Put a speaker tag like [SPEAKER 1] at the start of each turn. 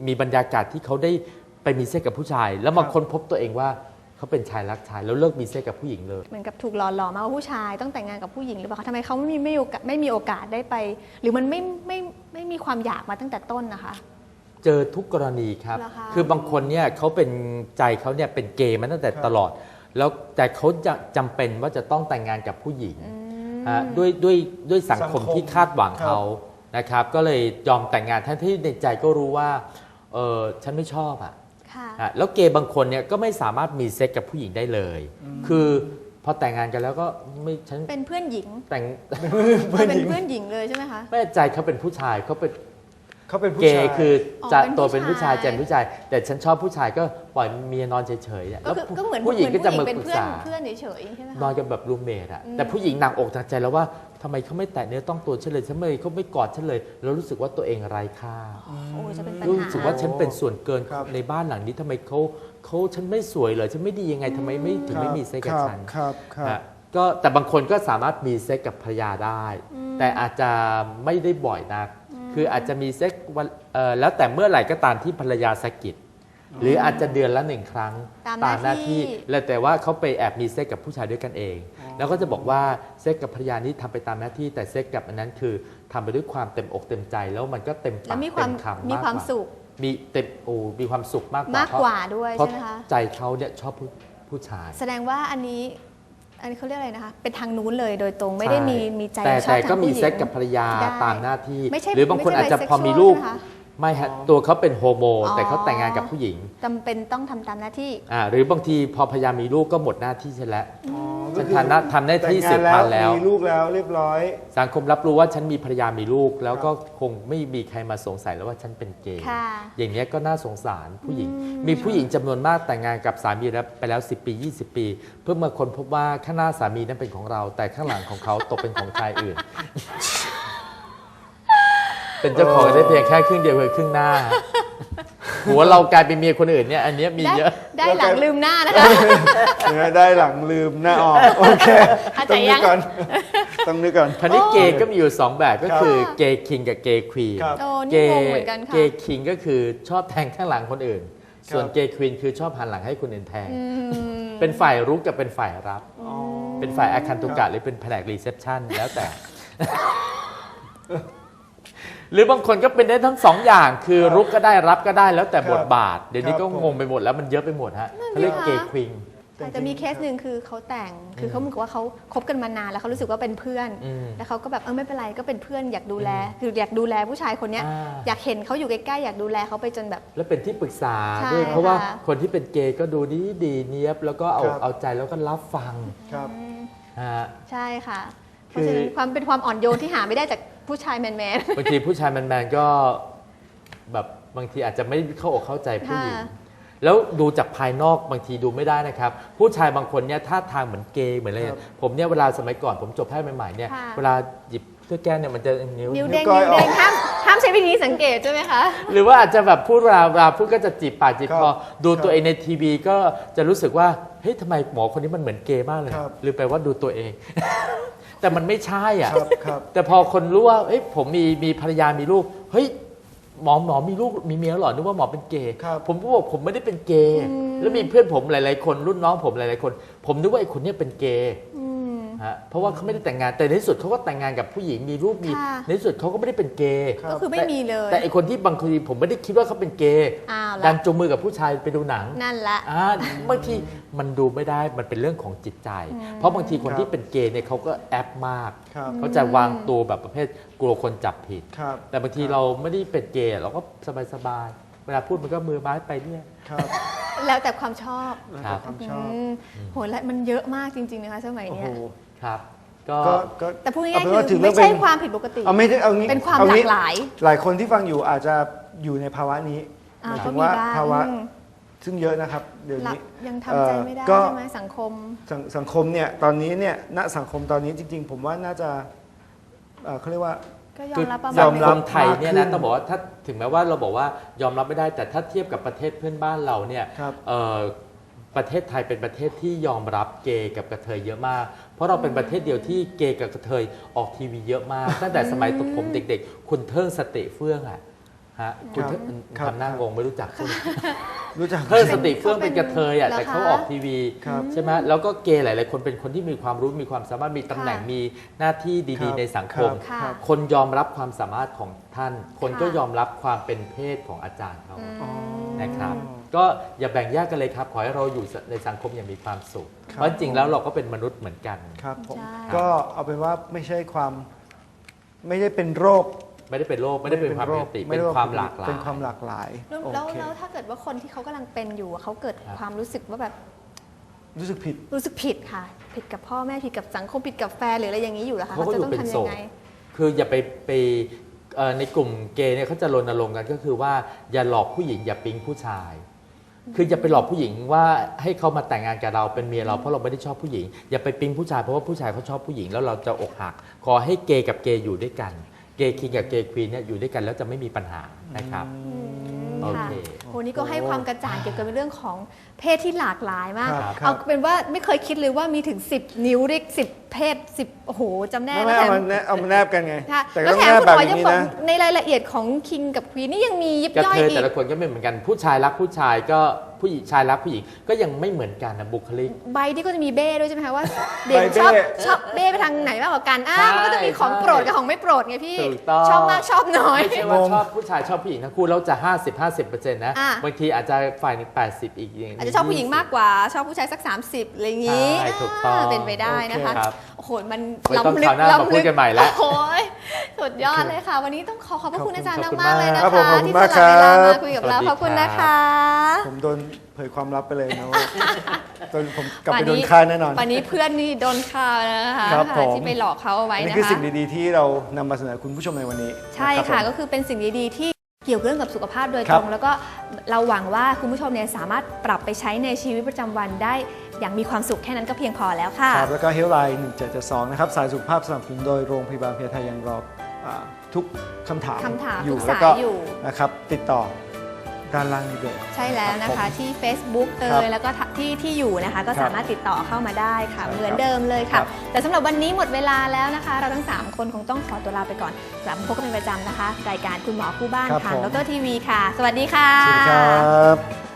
[SPEAKER 1] มีบรรยากาศที่เขาได้ไปมีเซ็กกับผู้ชาย แล้วมาค้นพบตัวเองว่าเขาเป็นชายรักชายแล้วเลิกมีเซ็กกับผู้หญิงเลย
[SPEAKER 2] เหมือนกับถูกหล่อหลอมมาว่าผู้ชายต้องแต่งงานกับผู้หญิงหรือเปล่าทำไมเขาไม่มีโอกาสได้ไป หรือมันไม่มีความอยากมาตั้งแต่ต้นนะคะ
[SPEAKER 1] เจอทุกกรณีครับ
[SPEAKER 2] คื
[SPEAKER 1] อบางคนเนี่ยเขาเป็นใจเขาเนี่ยเป็นเกย์มาตั้งแต่ตลอดแล้วแต่เขาจะจำเป็นว่าจะต้องแต่งงานกับผู้หญิงด้วยสังคมที่คาดหวังเขานะครับก็เลยยอมแต่งงานทั้งที่ในใจก็รู้ว่าฉันไม่ชอบแล้วเกย์บางคนเนี่ยก็ไม่สามารถมีเซ็กกับผู้หญิงได้เลยคือพอแต่งงานกันแล้วก็ไม่ฉัน
[SPEAKER 2] เป็นเพื่อนหญิง
[SPEAKER 1] แต่ง
[SPEAKER 2] เป็นเพื่อนหญิงเลยใช่ไหมคะ
[SPEAKER 1] ไม่ใจเขาเป็นผู้ชายเขาเป็น
[SPEAKER 3] เก
[SPEAKER 1] ย์คือจะตัวเป็นผู้ชายใจเป็นผู้ชายแต่ฉันชอบผู้ชายก็ปล่อยเมียนอนเฉยๆ
[SPEAKER 2] แล้วผู้หญิงก็จะมาปรึกษาเพื่อนเฉยๆใช่ไหมคะ
[SPEAKER 1] นอนกันแบบรูมเมทอะแต่ผู้หญิงหนักอกหนักใจแล้วว่าทำไมเขาไม่แตะเนื้อต้องตัวฉันเลยทำไมเขาไม่กอดฉันเลยแล้วรู้สึกว่าตัวเองไร้ค่ารู้สึกว่าฉันเป็นส่วนเกินในบ้านหลังนี้ทำไมเขาฉันไม่สวยเลยฉันไม่ดียังไงทำไมไม่ถึงไม่มีเซ็กกับฉันก็แต่บางคนก็สามารถมีเซ็กกับภรรยาได้แต่อาจจะไม่ได้บ่อยนักคืออาจจะมีเซ็กแล้วแต่เมื่อไหร่ก็ตามที่ภรรยาสะกิดหรืออาจจะเดือนละ1 ครั้ง
[SPEAKER 2] ตามหน้าที่
[SPEAKER 1] แล้วแต่ว่าเขาไปแอบมีเซ็กกับผู้ชายด้วยกันเองแล้วก็จะบอกว่าเซ็กกับภรรยานี้ทำไปตามหน้าที่แต่เซ็กกับอันนั้นคือทำไปด้วยความเต็มอกเต็มใจแล้วมันก็เต็มปากเต็มคำ
[SPEAKER 2] มีความสุข
[SPEAKER 1] มีความสุขมาก
[SPEAKER 2] กว่าด้วยใช่ไหมคะ
[SPEAKER 1] ใจเขาเนี่ยชอบผู้ชาย
[SPEAKER 2] แสดงว่าอันนี้เขาเรียกอะไรนะคะเป็นทางนู้นเลยโดยตรงไม่ได้มีใจชอบ
[SPEAKER 1] แต่ก็มีเซ็กกับภรรยาตามหน้าที่หรือบางคนอาจจะพอมีลูกไม่ฮะตัวเขาเป็นโฮโมแต่เขาแต่งงานกับผู้หญิง
[SPEAKER 2] จำเป็นต้องทำตามหน้าที่
[SPEAKER 1] หรือบางทีพอภรรยามีลูกก็หมดหน้าที่ใช่แล้วฉันทำหน้าที่สืบพันธุ์แล้ว
[SPEAKER 3] มีลูกแล้วเรียบร้อย
[SPEAKER 1] สังคมรับรู้ว่าฉันมีภรรยามีลูกแล้วก็คงไม่มีใครมาสงสัยแล้วว่าฉันเป็นเกย์อย่างนี้ก็น่าสงสารผู้หญิงมีผู้หญิงจำนวนมากแต่งงานกับสามีไปแล้ว10 ปี20 ปีเพื่อมาค้นพบว่าข้างหน้าสามีนั้นเป็นของเราแต่ข้างหลังของเขาตกเป็นของชายอื่นเป็นเจ้าของได้เพียงแค่ครึ่งเดียวคือครึ่งหน้าหัวเรากลายเป็นเมียคนอื่นเนี่ยอันนี้มีเยอะ
[SPEAKER 2] ได้หลังลืมหน้านะคะ
[SPEAKER 3] ได้หลังลืมหน้าออกโอเคต้องนึกก่อน
[SPEAKER 1] พันธุ์เกย์ก็มีอยู่2แบบก็คือเกย์คิงกับเกย์ควีน
[SPEAKER 2] เก
[SPEAKER 1] ย์คิงก็คือชอบแทงข้างหลังคนอื่นส่วนเกย์ควีนคือชอบหันหลังให้คนอื่นแทงเป็นฝ่ายรุกกับเป็นฝ่ายรับเป็นฝ่ายอาคันตุกะหรือเป็นแผนกรีเซพชันแล้วแต่หรือบางคนก็เป็นได้ทั้ง2 อย่างคือรุกก็ได้รับก็ได้แล้วแต่บทบาทเดี๋ยวนี้ก็งงไปหมดแล้วมันเยอะไปหมดฮะเขาเรียกเกย์ควีน
[SPEAKER 2] แต่มีเคสหนึ่งคือเขาแต่งคือเขาเหมือนกับว่าเขาคบกันมานานแล้วเขารู้สึกว่าเป็นเพื่อนแล้วเขาก็แบบไม่เป็นไรก็เป็นเพื่อนอยากดูแลคืออยากดูแลผู้ชายคนนี้อยากเห็นเขาอยู่ใกล้ๆอยากดูแลเขาไปจนแบบ
[SPEAKER 1] แล้วเป็นที่ปรึกษาด้วยเพราะว่าคนที่เป็นเกย์ก็ดูดีเนียบแล้วก็เอาใจแล้วก็รับฟัง
[SPEAKER 2] ใช่ค่ะเพราะฉะนั้นความเป็นความอ่อนโยนที่หาไม่ได้จากผู้ชายแมน
[SPEAKER 1] บางทีผู้ชายแมนก็แบบบางทีอาจจะไม่เข้าอกเข้าใจผู้หญิงแล้วดูจากภายนอกบางทีดูไม่ได้นะครับผู้ชายบางคนเนี่ยท่าทางเหมือนเกย์เหมือนอะไรผมเนี่ยเวลาสมัยก่อนผมจบแพทย์ใหม่ๆเนี่ยเวลาหยิบเสื้อแก้วเนี่ยมันจะ
[SPEAKER 2] นิ้วเด้งห้ามใช้วิธีสังเกตใช่ไหมคะ
[SPEAKER 1] หรือว่าอาจจะแบบพูดเวลาพูดก็จะจีบปากจีบคอดูตัวเองในทีวีก็จะรู้สึกว่าเฮ้ยทำไมหมอคนนี้มันเหมือนเกย์มากเลยหรือแปลว่าดูตัวเองแต่มันไม่ใช่อ่ะแต่พอคนรู้ว่าเฮ้ยผมมีภรรยามีลูกเฮ้ยหมอมีลูกมีเมียหรอนึกว่าหมอเป็นเกย์ผมก็บอกผมไม่ได้เป็นเกย์แล้วมีเพื่อนผมหลายๆคนรุ่นน้องผมหลายๆคนผมนึกว่าไอ้คนนี้เป็นเกย์เพราะว่าเขาไม่ได้แต่งงานแต่ในที่สุดเขาก็แต่งงานกับผู้หญิงมีลูกมีในที่สุดเขาก็ไม่ได้เป็นเกย์
[SPEAKER 2] ก็คือไม่มีเลย
[SPEAKER 1] แต่ไอ้คนที่บางทีผมไม่ได้คิดว่าเขาเป็นเกย์ดันจูงมือกับผู้ชายไปดูหนัง
[SPEAKER 2] นั่นแหละ
[SPEAKER 1] บางทีมันดูไม่ได้มันเป็นเรื่องของจิตใจเพราะบางทีคนที่เป็นเกย์เนี่ยเขาก็แอปมากเขาจะวางตัวแบบประเภทกลัวคนจับผิดแต่บางทีเราไม่ได้เป็นเกย์เราก็สบายๆเวลาพูดมันก็มือไม้ไปเนี่ย
[SPEAKER 2] แล้วแต่ความชอบโหและมันเยอะมากจริงๆนะคะสมัยนี้
[SPEAKER 1] ครับ
[SPEAKER 2] แต่พูดง่ายๆคือไม่ใช่ความผิดปกติเป็นความหลากหลาย
[SPEAKER 3] หลายคนที่ฟังอยู่อาจจะอยู่ในภาวะนี้หมายถึงว่าภาวะซึ่งเยอะนะครับเดี๋ยวนี้
[SPEAKER 2] ยังทำใจไม่ได้ใช่ไหมสัง
[SPEAKER 3] คมเนี่ยตอนนี้เนี่ยณสังคมตอนนี้จริงๆผมว่าน่าจะเขาเรียกว่า
[SPEAKER 2] ก็ยอมรับ
[SPEAKER 1] สังคมไทยเนี่ยนะต้องบอกว่าถ้าถึงแม้ว่าเราบอกว่ายอมรับไม่ได้แต่ถ้าเทียบกับประเทศเพื่อนบ้านเราเนี่ยประเทศไทยเป็นประเทศที่ยอมรับเกย์กับกระเทยเยอะมากเพราะเราเป็นประเทศเดียวที่เกย์กับกระเทยออกทีวีเยอะมากตั้งแต่สมัยผมเด็กๆคุณเทิงสติเฟื่องฮะคุณ
[SPEAKER 3] ครับ
[SPEAKER 1] ทำหน้างงไม่รู้จักคุณ
[SPEAKER 3] รู้จัก
[SPEAKER 1] เพิ่งสติเฟื่องเป็นกระเทยอ่ะ
[SPEAKER 2] เหรอคะ
[SPEAKER 1] แต่เขาออกทีวี
[SPEAKER 3] ครับ
[SPEAKER 1] ใช่ไหมแล้วก็เกย์หลายๆคนเป็นคนที่มีความรู้มีความสามารถมีตำแหน่ง
[SPEAKER 2] ค่ะ
[SPEAKER 1] มีหน้าที่
[SPEAKER 3] ค
[SPEAKER 1] ดี
[SPEAKER 3] รับ
[SPEAKER 1] ๆ ในสังคม
[SPEAKER 2] ค่ะ
[SPEAKER 1] คนยอมรับความสามารถของท่าน คนก็
[SPEAKER 2] ค่ะ
[SPEAKER 1] ยอมรับความเป็นเพศของอาจารย์เขา
[SPEAKER 3] อ๋อ
[SPEAKER 1] นะครับก็อย่าแบ่งแยกกันเลยครับ ขอให้เราอยู่ในสังคมอย่างมีความสุข
[SPEAKER 3] ครับ
[SPEAKER 1] เพราะจริงๆแล้วเราก็เป็นมนุษย์เหมือนกัน
[SPEAKER 3] ครับผม
[SPEAKER 2] ใช่
[SPEAKER 3] ก็เอาเป็นว่าไม่ใช่ความไม่ได้เป็นโรค
[SPEAKER 1] ไม่ได้เป็นโรคไม่ได้เป็นความปกติ
[SPEAKER 3] ไม่
[SPEAKER 1] เป็น
[SPEAKER 3] ได้
[SPEAKER 1] ความหลากหลาย
[SPEAKER 3] เป็นความหลากหลาย
[SPEAKER 2] แล้ว
[SPEAKER 3] โอ
[SPEAKER 2] แล้ว
[SPEAKER 3] เค
[SPEAKER 2] แล้วถ้าเกิดว่าคนที่เขากำลังเป็นอยู่เขาเกิด
[SPEAKER 1] ครับ
[SPEAKER 2] ความรู้สึกว่าแบบ
[SPEAKER 3] รู้สึกผิด
[SPEAKER 2] รู้สึกผิดค่ะ ผิดกับพ่อแม่ผิดกับสังคมผิดกับแฟนหรืออะไรอย่างนี้อยู่แล้วคะ
[SPEAKER 1] เขาก็
[SPEAKER 2] จะ
[SPEAKER 1] อยู่
[SPEAKER 2] ต้อง
[SPEAKER 1] เป็น
[SPEAKER 2] ทำ
[SPEAKER 1] โส
[SPEAKER 2] ยัง
[SPEAKER 1] ด
[SPEAKER 2] ไง
[SPEAKER 1] คืออย่าไปในกลุ่มเกย์เนี่ยเขาจะรณรงค์กันก็คือว่าอย่าหลอกผู้หญิงอย่าปิ๊งผู้ชาย คืออย่าไปหลอกผู้หญิงว่าให้เขามาแต่งงานกับเราเป็นเมียเราเพราะเราไม่ได้ชอบผู้หญิง อย่าไปปิ๊งผู้ชายเพราะว่าผู้ชายเขาชอบผู้หญิงแล้วเราจะอกหัก ขอให้เกย์กับเกย์อยู่ด้วยกัน เกย์คิงกับเกย์ควีนเนี่ยอยู่ด้วยกันแล้วจะไม่มีปัญหานะครับ โอ
[SPEAKER 2] ค่ะ
[SPEAKER 1] เค
[SPEAKER 2] โหนี่ก็ให้ความกระจ่างเกี่ยวกับเรื่องของเพศที่หลากหลายมาก
[SPEAKER 3] ครับ
[SPEAKER 2] เอาเป็นว่าไม่เคยคิดเลยว่ามีถึง 10 นิ้วเรียก10 เพศ 10 โอ้โหจำแน่
[SPEAKER 3] ไม่
[SPEAKER 2] แล้ว
[SPEAKER 3] เอามาแนบกันไง
[SPEAKER 2] ค่ะ
[SPEAKER 3] แต่
[SPEAKER 2] แล้ว
[SPEAKER 3] ต้อง
[SPEAKER 2] แถ
[SPEAKER 3] แน
[SPEAKER 2] ม
[SPEAKER 3] บ
[SPEAKER 2] คุณ
[SPEAKER 3] แบบ
[SPEAKER 2] หมอ
[SPEAKER 3] อ
[SPEAKER 2] ยั
[SPEAKER 3] ย่าง งนี้
[SPEAKER 2] บอก
[SPEAKER 3] นะ
[SPEAKER 2] ในรายละเอียดของคิงกับควีนนี่ยังมียิบ
[SPEAKER 1] กระ
[SPEAKER 2] ย่อย
[SPEAKER 1] เทย
[SPEAKER 2] อี
[SPEAKER 1] แต่
[SPEAKER 2] ก
[SPEAKER 1] ละคนก็ไม่เหมือนกันผู้ชายรักผู้ชายก็ผู้หญิงชายรักผู้หญิงก็ยังไม่เหมือนกันนะบุคลิก
[SPEAKER 2] ใบที่ก็จะมีเบ้ด้วยใช่ไหมคะว่าเด่น
[SPEAKER 3] ใบเบ้
[SPEAKER 2] ชอบเบ้ไปทางไหนมากกว่ากัน
[SPEAKER 1] ใช่
[SPEAKER 2] มันก็จะมีของโปรดกับของไม่โปรดไงพี่
[SPEAKER 1] ถูกต้อง
[SPEAKER 2] ชอบมากชอบน้อย
[SPEAKER 1] ไม่ใช่ว่าง
[SPEAKER 3] ง
[SPEAKER 1] ชอบผู้ชายชอบผู้หญิงทั้งคู่แล้วจะ 50% นะ
[SPEAKER 2] อ่ะ
[SPEAKER 1] บางทีอาจจะฝ่ายหนึง80 อีกอย่าง
[SPEAKER 2] อาจจะชอบผู้หญิงมากกว่าชอบผู้ชายสัก 30อะไรอย่างนี้
[SPEAKER 1] ใช่ถูกต้อง
[SPEAKER 2] เป็นไปได้นะคะ
[SPEAKER 1] โอเคครับ
[SPEAKER 2] โอ้โหมัน
[SPEAKER 1] ไม่ต้อง
[SPEAKER 2] ล้ำลึ
[SPEAKER 1] คราวหน้ามาพูดกันใหม่แล้ว
[SPEAKER 2] โอ้โหสุดยอดเลยค่ะ วันนี้ต้องขอบพระคุณอาจารย์
[SPEAKER 1] ขอบคุณ
[SPEAKER 2] มากๆเลยนะ
[SPEAKER 3] ครั
[SPEAKER 2] คะ
[SPEAKER 3] บผมขอบคุณ
[SPEAKER 2] ที่
[SPEAKER 3] มาก
[SPEAKER 2] สละเวลา
[SPEAKER 3] ครั
[SPEAKER 2] มา
[SPEAKER 3] บ
[SPEAKER 2] คุยกับเรา
[SPEAKER 1] สวัสดี
[SPEAKER 2] ขอบคุณนะคะ
[SPEAKER 3] ผมโดนเผยความลับไปเลยนะว่าจนผมกลับไปโดนฆ่าแน่นอน
[SPEAKER 2] วันนี้เพื่อนนี่โดนฆ่าแล้วนะคะ
[SPEAKER 3] ครับผม
[SPEAKER 2] ที่ไปหลอกเขาเอาไว้
[SPEAKER 3] อันนี้
[SPEAKER 2] นะ
[SPEAKER 3] คือ
[SPEAKER 2] คะ
[SPEAKER 3] สิ่งดีๆที่เรานำมาเสนอคุณผู้ชมในวันนี้
[SPEAKER 2] ใช่
[SPEAKER 3] นรับ
[SPEAKER 2] ค่ะ
[SPEAKER 3] ผม
[SPEAKER 2] ก็คือเป็นสิ่งดีๆที่เกี่ยวเรื่องกับสุขภาพโดย
[SPEAKER 3] ค
[SPEAKER 2] ต
[SPEAKER 3] รั
[SPEAKER 2] ร
[SPEAKER 3] บ
[SPEAKER 2] ง แล้วก็เราหวังว่าคุณผู้ชมเนี่ยสามารถปรับไปใช้ในชีวิตประจำวันได้อย่างมีความสุขแค่นั้นก็เพียงพอแล้วค่ะ
[SPEAKER 3] ครับแล้วก็เฮลไลน์1772นะครับสายสุขภาพสนับสนุนโดยโรงพยาบาลเพียไทยยังรอทุกคำถาม
[SPEAKER 2] ทุก
[SPEAKER 3] แล้ว
[SPEAKER 2] สาย
[SPEAKER 3] ก็
[SPEAKER 2] อยู่
[SPEAKER 3] นะครับติดต่อด้านล่างนี้เลย
[SPEAKER 2] ใช่แล้วนะคะ ที่ Facebook
[SPEAKER 3] ครับ
[SPEAKER 2] แล้วก็ที่อยู่นะคะ ก็
[SPEAKER 3] ครับ
[SPEAKER 2] สามารถติดต่อเข้ามาได้ค่ะ
[SPEAKER 3] ใช่ครับ
[SPEAKER 2] เหมือนเดิมเลย
[SPEAKER 3] ครั
[SPEAKER 2] ค่ะ
[SPEAKER 3] บ
[SPEAKER 2] แต่สำหรับวันนี้หมดเวลาแล้วนะคะ เราทั้ง 3 คนคงต้องขอตัวลาไปก่อนกลับมาพบกันเป็นประจำนะคะ รายการคุณหมอคู่บ้าน
[SPEAKER 3] ครับ
[SPEAKER 2] ทาง
[SPEAKER 3] ผม
[SPEAKER 2] ดรทีวีค่ะ สวัสดีค่ะ
[SPEAKER 3] สวัสดีครับ